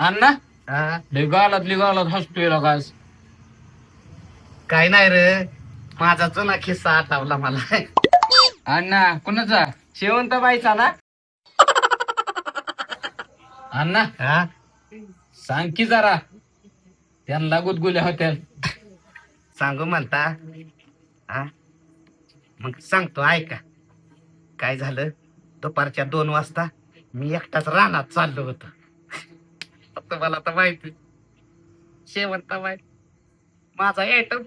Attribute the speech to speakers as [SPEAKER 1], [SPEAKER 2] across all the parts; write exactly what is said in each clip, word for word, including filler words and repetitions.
[SPEAKER 1] अण्णा
[SPEAKER 2] हा
[SPEAKER 1] लय गालात लय गालात हसतोय लगास.
[SPEAKER 2] काय नाही रे, माझा जुना किस्सा आठवला मला.
[SPEAKER 1] अण्णा कुणाचा? शेवंत बाईचा ना? अण्णा
[SPEAKER 2] हा
[SPEAKER 1] सांग की जरा, त्यांना गुदगुल्या होत्या.
[SPEAKER 2] सांगू म्हणता? हा मग सांगतो ऐका. काय झालं, दुपारच्या दोन वाजता मी एकटाच रानात चाललो होतो. तुम्हाला तर माहिती, शेवंताबाई माझा एटम.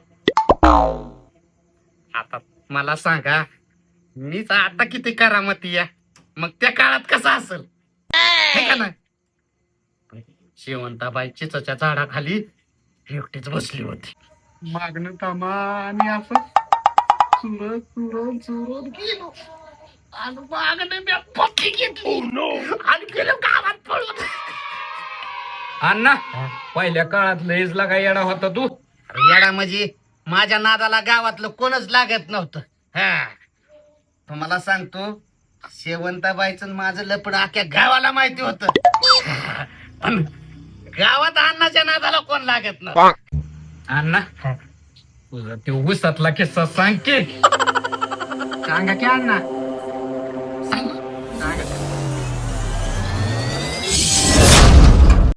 [SPEAKER 2] आता मला सांगा, मीच आता किती करामती या, मग त्या काळात कसं असेल हे का नाही? शेवंताबाई चिचच्या झाडाखाली एकटीच बसली होती. मागणं थांबा आणि असं चुरत चुरत चुरत गेलो आणि मागणं मी पक्की घेतली आणि गेलो गावात पळून.
[SPEAKER 1] अण्णा पहिल्या काळात लयच लागा येडा होता तू.
[SPEAKER 2] येडा म्हणजे माझ्या नादाला गावातलं कोणच लागत नव्हतं. हा तुम्हाला सांगतो, शेवंताबाईचं माझं लपड अख्ख्या गावाला माहिती होत. पण गावात अण्णाच्या नादाला कोण लागत नव्हतं.
[SPEAKER 1] अण्णा तुझा ते उसातला किस्सा सांग की.
[SPEAKER 2] सांगा की अण्णा.